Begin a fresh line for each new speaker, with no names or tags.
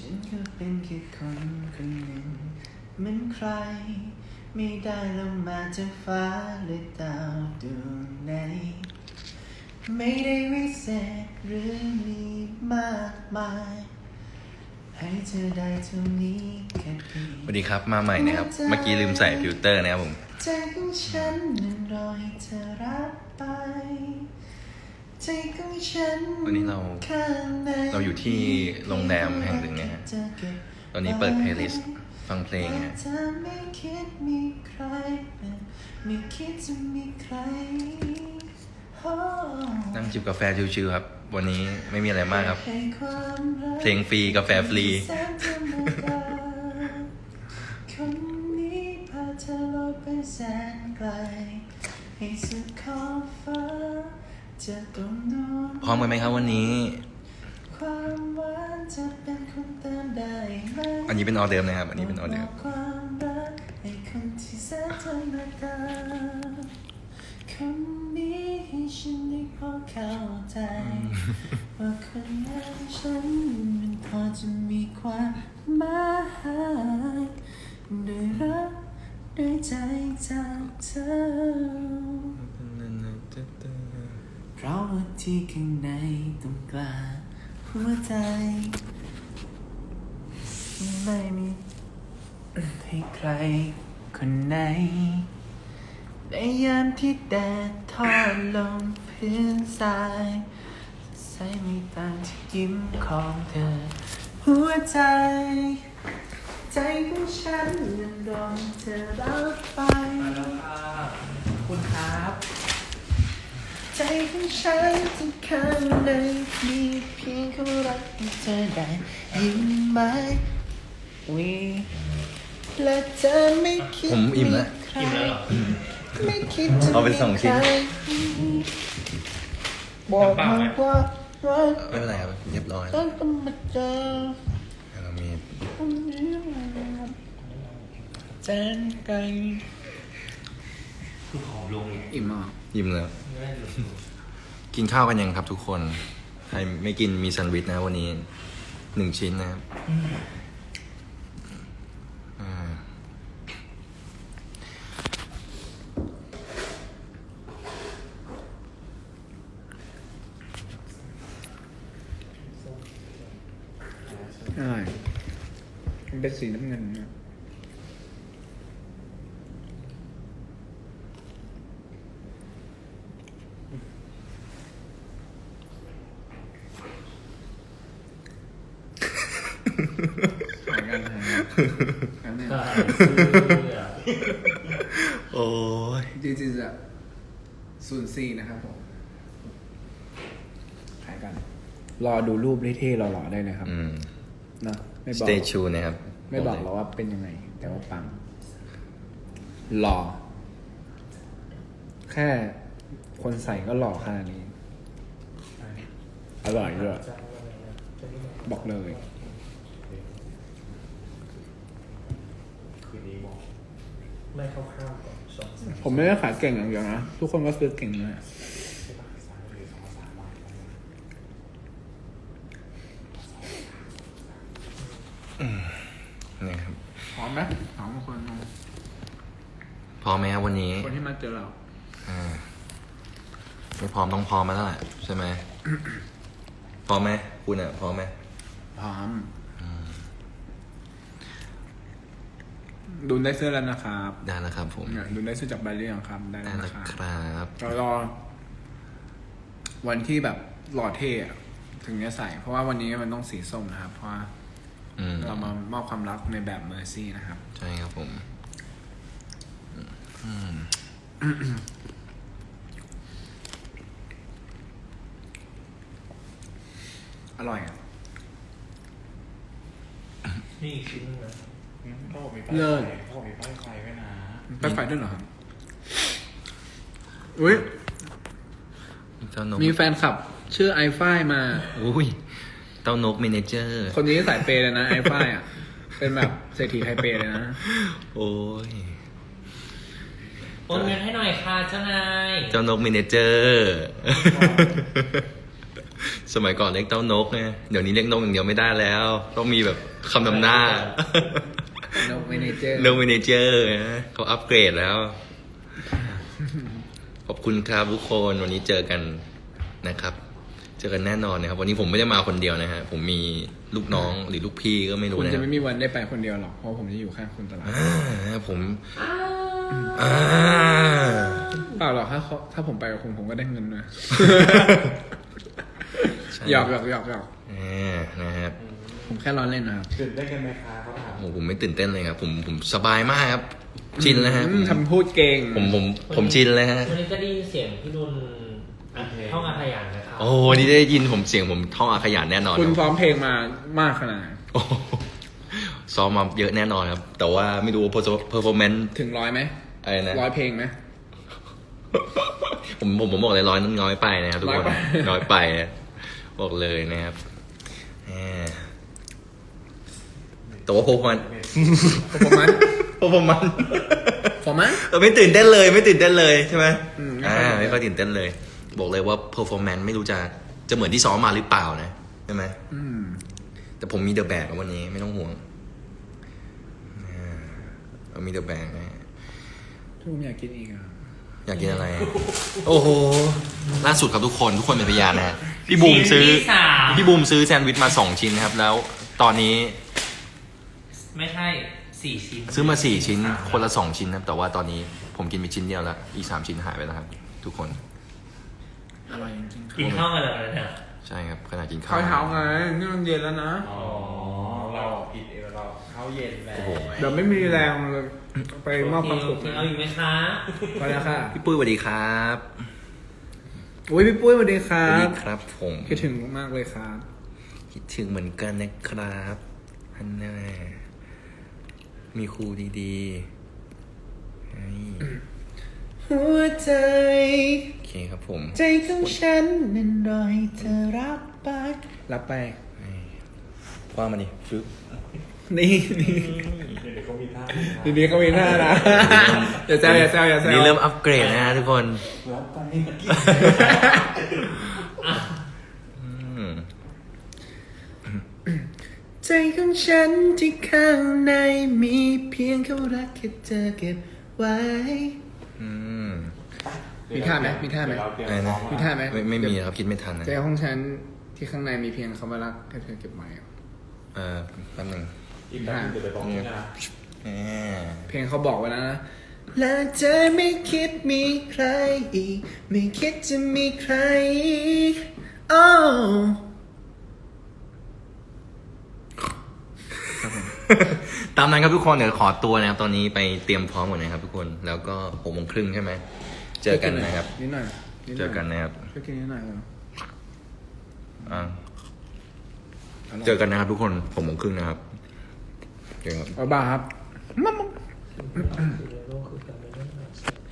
ฉันก็เป็นแค่คนคนหนึ่งเหมือนใครไม่ได้ลงมาจากฟ้าหรือดาวดวงไหนไม่ได้วิเศษหรือมีมากมายให้เธอได้เท่านี้แค่เพียง
สวัสดีครับมาใหม่นะครับเมื่อกี้ลืมใส่ฟิลเตอร์นะครับผม
ใจของฉันนั้นรอให้เธอรับไปใจของฉัน
วันนี้เราอยู่ที่โรงแรมแห่งหนึ่งนะฮะตอนนี้เปิดเพลย์ลิสต์ฟังเพลงฮะ
เธอไม่คิดมีใครไม่คิดจะมีใคร
นั่งจิบกาแฟชิวๆครับวันนี้ไม่มีอะไรมากครับเพลงฟรีกาแฟฟรี
คนนี้พาเธอลอยไปแสนไกลให้สุดขอบฟ้าจะต้องดู
พร้อมกันไหมครับวันนี้
ความหวานจะเป็นคนเติมได้ไหม
อันนี้เป็นออเดิร์ฟนะครับอันนี้เป็นออเดิร์ฟ
ความรักให้คนที่แสนธรรมดาคนนี้ให้ฉันได้พอเข้าใจว่าคนอย่างฉันมันพอจะมีความหมายด้วยรักด้วยใจจากเธอเพราะว่าที่ข้างในตรงกลางหัวใจไม่มีให้ใครคนไหนในยามที่แดดทอดลงพื้นทรายใส่ไม่ต่างที่ยิ้มของเธอหัวใจใจของฉันนั้นรอเธอรับไปคุณครับใจของฉันที่ข้างในมีเพียงเขารักให้เธอได้ยิ้มไหมและเธอไม่คิด
ผมอิ่มแล้ว
ไม่คิดจะ
เอาเป็น2 ชิ้น
บอกมาว่ารัก
ไม่เป็นไรครับเรียบร้อย
ต้องมาเจอ
เรามี
คนนี้แสนไกล
คือของลงเนี่ย
อิ่มอ่ะ
อิ่มแล้วกินข้าวกันยังครับทุกคนใครไม่กินมีแซนด์วิชนะวันนี้1 ชิ้นนะครับ
ใช่มันเป็นสีน้ำเงินนะหายกัน
โอ้ย
จริงๆจะ04นะครับผมหายกันรอดูรูปเท่ๆหล่อๆได้เลยครับนะไม่บอก
Stay tuned นะครับ
ไม่บอกหรอกว่าเป็นยังไงแต่ว่าปังหล่อแค่คนใส่ก็หล่อขนาดนี้อร่อยด้วยบอกเลย
ไม่เข้าข้าวก่อน2-3
ผมไม่ได้ขายเก่งอย่างเดียวนะทุกคนก็ซื้อเก่งเลย
นี่ครับ
พร้อมไหมถามคน
พร้อมไหมครับวันนี้
คนที่มาเจอเรา
ไม่พร้อมต้องพร้อมมาแล้วแหละใช่ไหมพร้อมไหมคุณอ่ะพร้อมไหม
พร้อมดูได้เสื้อแล้วนะครับ
ได้แล้วครับผม
ดูได้เสื้อจากใบเรียงครับได้แล้ว
ครับ
รอวันที่แบบหล่อเท่ถึงจะใส่เพราะว่าวันนี้มันต้องสีส้มนะครับเพราะว่าเรามามอบความรักในแบบเมอร์ซี่นะครับ
ใช่ครับผม
อร่อยอ่ะ
นี่อีกชิ้นนึงนะ
เขาบอกมีป้ายไฟเขาบอกมีป้ายไฟด้วยนะป้ายไฟด้วยเหรอครับอุ้ยมีแฟนคลับชื่อไอฝ้ายมา
อุ้ยเต้านกเมเนเจอร์
คนนี้สายเปย์เลยนะไอฝ้ายอ่ะเป็นแบบเศรษฐีไทยเปย์เลยนะ
โอ้ย
โอนเงินให้หน่อยค่ะเจ้านาย
เจ้านกเมเนเจอร์สมัยก่อนเรียกเต้านกไงเดี๋ยวนี้เรียกนกอย่างเดียวไม่ได้แล้ว ต้องมีแบบคำนำหน้า
นกเมเนเจอร์
นกเมเนเจอร์นะเขาอัปเกรดแล้ว ขอบคุณครับทุกคนวันนี้เจอกันนะครับ เจอกันแน่นอนนะครับ วันนี้ผมไม่ได้มาคนเดียวนะฮะผมมีลูกน้องหรือลูกพี่ก็ไม่รู้
คุณ
นะค
จะ
รับ
ไม่มีวันได้ไปคนเดียวหรอกเพราะผมจะอยู่ข้างคุณตลอด
ผม
เปล่าหรอกถ้าผมไปกับคุณผมก็ได้เงินนะหยอก
นะครับ
ผมแค่ล้อเล่นนะครับ
ตื่นได้กันไหมคะเขาถาม
โอ้ผมไม่ตื่นเต้นเลยครับผมสบายมากครับ ชินแล้วฮะ
ทำพูดเก่ง
ผมชินเลยฮะ
วันนี้จะได้ยินเสียงพี่นุ่นท่องอาขยานนะครับ
โอ้นี่ได้ยินผมเสียงผมท่องอาขยานแน่นอน
คุณ
ครับ
ซ้อมเพลงมามากขนาดไหน
โอ้โหซ้อมมาเยอะแน่นอนครับ แต่ว่าไม่รู้ performance
ถึง100ไหม
อะไรนะ
100เพลงไหม
ผมบอกเลย100นั้นน้อยไปนะครับทุกคน
น้อยไป
น้อยไปนะบอกเลยนะครับแหมแต่ว่าperformance
ผมมัน
performance
ผมมัน
ไม่ตื่นเต้นเลยไม่ตื่นเต้นเลยใช่ไหม
ไม่ค่อยตื่นเต้น
ไม่ค่อยตื่นเต้นเลย บอกเลยว่า performance ไม่รู้จะเหมือนที่ซ้อมมาหรือเปล่านะใช่ไหมแต่ผมมีเดอะแบกวันนี้ไม่ต้องห่วงเรามีเดอะแบกนะ
ผมอยากกินอีกอ่ะ
อยากกินอะไร โอ้โหล่าสุดครับทุกคนเป็นพยานนะฮะพี่บูมซื้อ
ชิ้นที่สาม
พี่บูมซื้อแซนด์วิชมา2ชิ้นนะครับ แล้วตอนนี้
ไม่ใช่4 ชิ้น
ซื้อมา4ชิ้นคนละ2ชิ้นนะครับแต่ว่าตอนนี้ผมกินไปชิ้นเดียวแล้วอีก3ชิ้นหายไปแล้วครับ ทุกคน
อร่อยจริงๆ
กินข้าวกันแล้วเนี่ย
ใช่ครับขณะกินข้า
ข้าว วเช้าไงนี่มันเย็นแล้วนะ
อ๋อเราผิดเองเราเข้าเย็นแล้ว
โอ้โห
เดี๋ยวไม่มีแรงเลยไปมอบความสุข
เอาอีกไหมคะ
ไปแล้วค่ะ
พี่ปุ้ยสวัสดีครับ
อุ้ยพี่ปุ้ยสวัสดีค
ส
รั
วัสดี
บ
ครับผม
คิดถึงมากเลยครับ
คิดถึงเหมือนกันนะครับอันแน่มีครูดีๆให้
หัวใจ
โอเคครับผม
ใจของฉันนั้นรอให้เธอรับไป
คว้ามาดิฟึบ
นี่
เดี๋ยวเขามีท่า
ดีๆเขามีท่านะอย่าแซวอย่าแซวอย่าแซว
นี่เริ่มอัปเกรดนะฮะทุกคน
รับไป
อืม
ใจของฉันที่ข้างในมีเพียงเขารักแค่เธอเก็บไว้
อืม
มีท่าไหมมีท่าไหม
อะไรนะ
มีท่าไหม
ไม่มีครับคิดไม่ทันนะ
ใจของฉันที่ข้างในมีเพียงคำว่ารักแค่เธอเก็บไว้
แป๊บนึง
อีกแบบนึงเดี๋ยวไปบอกนี่นะ
แหม
เพลงเขาบอกไว้แล้วนะและเธอไม่คิดมีใครอีก ไม่คิดจะมีใครอีกโอ้
ตามนั้นครับทุกคนเดี๋ยวขอตัวนะครับตอนนี้ไปเตรียมพร้อมก่อนนะครับทุกคนแล้วก็6:30ใช่ไหมเจอกันนะครับ
นิดหน่อยดห
เจอกันนะครับ
ช่วยกินนิดหน่อยเหรอ
อ่าเจอกันนะครับทุกคน6:30นะครับเจอกันครับ
บ๊ายบายครับ
โลกคือการเป็นเรื่อง